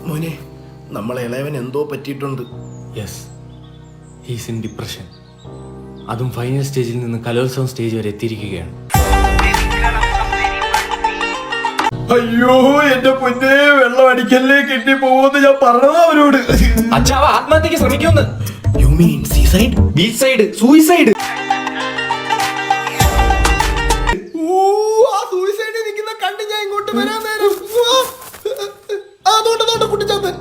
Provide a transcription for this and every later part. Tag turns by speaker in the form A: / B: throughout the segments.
A: മോനെ, നമ്മളെ ഇളയവൻ എന്തോ പറ്റിയിട്ടുണ്ട്.
B: Yes, he's in depression. അതും ഫൈനൽ സ്റ്റേജിൽ നിന്ന് കലോത്സവം സ്റ്റേജ് വരെ എത്തിയിരിക്കുകയാണ്.
A: അയ്യോ എന്റെ പൊന്നെ, വെള്ളം അടിക്കല്ലേ, കിട്ടി പോകുമെന്ന് ഞാൻ പറഞ്ഞതാ അവരോട്.
B: അച്ഛാവ ആത്മഹത്യക്ക് ശ്രമിക്കുമെന്ന്.
A: You mean seaside?
B: Beach side, suicide.
A: ആ സൂയിസൈഡിൽ നിൽക്കുന്ന കണ്ട് ഞാൻ ഇങ്ങോട്ട് വരാൻ നേരം അതോട്ട് കുട്ടിച്ചാത്തൻ.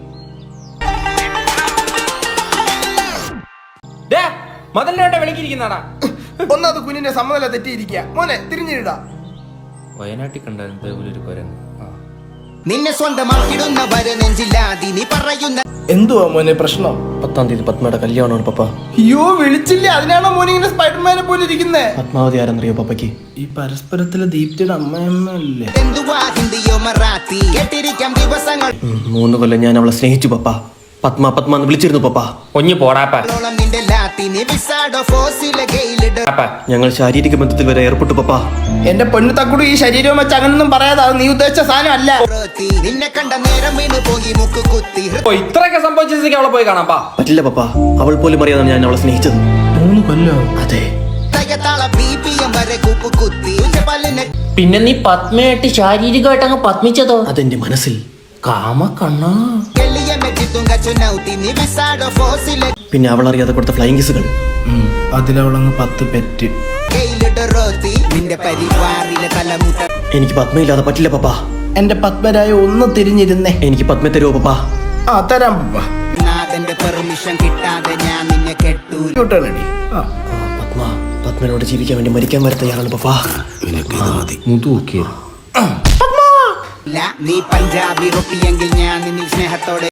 B: മതലിനെ വിളിക്കിരിക്കുന്നാടാ.
A: ഒന്നാമത് കുഞ്ഞിന്റെ സമ്മതല തെറ്റിയിരിക്കുക. മോനെ തിരിഞ്ഞിടാ.
B: വയനാട്ടിൽ കണ്ടായിരുന്നു ഒരു കുരങ്ങ്.
C: നിന്നെ സ്വന്തമാക്കിടുന്നവരെ നെഞ്ചില്ലാതി നീ പറയുന്ന
A: എന്തുവാ മോനെ പ്രശ്നം?
D: 10-ാം തീയതി പത്മയുടെ കല്യാണമാണ് പപ്പ.
A: അയ്യോ വിളിച്ചില്ലേ? അതിനാണോ മോനെ ഇങ്ങനെ സ്പൈഡർമാനെ പോലെ ഇരിക്കുന്നേ?
D: പത്മാവതി ആരെന്നറിയോ പപ്പയ്ക്ക്?
A: ഈ പരസ്പരത്തിലെ ദീപ്തിയുടെ അമ്മയമ്മല്ലേ?
C: എന്തുവാ ഹിന്ദിയോ മറാത്തി കേട്ടിരിക്കാം ദിവസങ്ങൾ
D: 3 കൊല്ലം ഞാൻ അവളെ സ്നേഹിച്ചു പപ്പ. പത്മ എന്ന് വിളിച്ചിരുന്നു പപ്പ.
B: ഒഞ്ഞു പോടാപ്പ.
C: നിന്റെ ലാത്തിനി വിസാഡോ ഫോസിലെ ഗെയിലിഡ്
D: ഞങ്ങൾ ശാരീരിക ബന്ധത്തിൽ വരെ ഏർപ്പെട്ടു പപ്പ.
A: എന്റെ പെണ്ണു തക്കുടു ഈ ശരീരവും വെച്ച് അങ്ങനൊന്നും പറയാതെ, അത് നീ ഉദ്ദേശിച്ച സാധനം അല്ല.
C: നിന്നെ കണ്ട നേരം വീണ് പോയി മുക്ക് കുത്തി
B: ഇത്രയൊക്കെ സംഭവിച്ചേക്ക് അവളെ പോയി കാണാം.
D: പറ്റില്ല പപ്പ, അവൾ പോലും അറിയാതെ ഞാൻ അവളെ സ്നേഹിച്ചത്.
A: 3 കൊല്ലോ?
D: അതെ.
C: തയ്യത്താള BPM വരെ കൂപ്പ് കുത്തി പല്ലിനെ
E: പിന്നെ നീ പത്മയായിട്ട് ശാരീരികമായിട്ട് അങ്ങ് പത്മിച്ചതോ?
D: അതെന്റെ മനസ്സിൽ.
E: കാമക്കണ്ണാ.
C: കെളിയ മെച്ചിത്തുങ്ക ചുനൗത്തി നീ വിസാഡോ ഫോസിലെ
D: പിന്നെ അവൾ അറിയാതെ കൊടുത്ത ഫ്ലൈങ് കിസുകൾ.
A: അതിലവളങ്ങ് 10 പെറ്റ്.
C: ഗെയിലിഡ് റോത്തി നിന്റെ പരിവാറിലെ തലമുട്ട
D: എനിക്ക് പത്മയില്ലാതെ പറ്റില്ല പപ്പ.
A: എന്റെ പത്മരായ ഒന്ന് തിരിഞ്ഞിരുന്നേ.
D: എനിക്ക് പത്മ തരുമോ പപ്പ?
A: ആ തരാം പപ്പ.
C: നാഥന്റെ പെർമിഷൻ കിട്ടാതെ ഞാൻ നിന്നെ കെട്ടു
A: ക്യൂട്ടാണടി.
D: പത്മനോട് ജീവിക്കാൻ വേണ്ടി മരിക്കാൻ വരെ തയ്യാറാണ് പപ്പ.
C: നീ പഞ്ചാബി റൊട്ടിയെങ്കിൽ ഞാൻ നിന്നിൽ സ്നേഹത്തോടെ